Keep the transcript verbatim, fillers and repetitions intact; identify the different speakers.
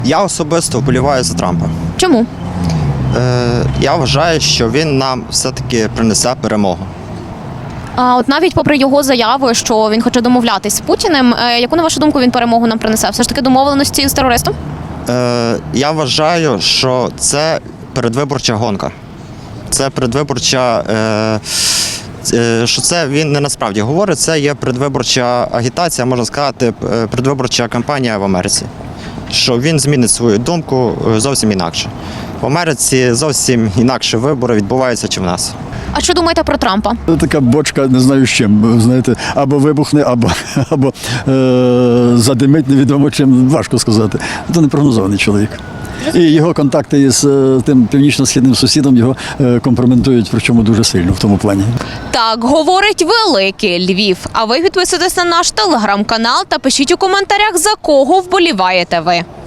Speaker 1: Я особисто вболіваю за Трампа.
Speaker 2: Чому?
Speaker 1: Е, я вважаю, що він нам все-таки принесе перемогу.
Speaker 2: А от навіть попри його заяви, що він хоче домовлятись з Путіним, е, яку, на вашу думку, він перемогу нам принесе? Все ж таки домовленості з терористом?
Speaker 1: Е, я вважаю, що це передвиборча гонка. Це передвиборча, е, е, що це він не насправді говорить, це є передвиборча агітація, можна сказати, е, передвиборча кампанія в Америці. Що він змінить свою думку е, зовсім інакше. В Америці зовсім інакше вибори відбуваються, чи в нас.
Speaker 2: А що думаєте про Трампа?
Speaker 3: Така бочка, не знаю з чим, знаєте, або вибухне, або, або е, задимить, невідомо чим, важко сказати. Це непрогнозований чоловік. І його контакти із е, тим північно-східним сусідом його е, компрометують, причому дуже сильно в тому плані.
Speaker 2: Так говорить великий Львів. А ви підписуйтесь на наш телеграм-канал та пишіть у коментарях, за кого вболіваєте ви.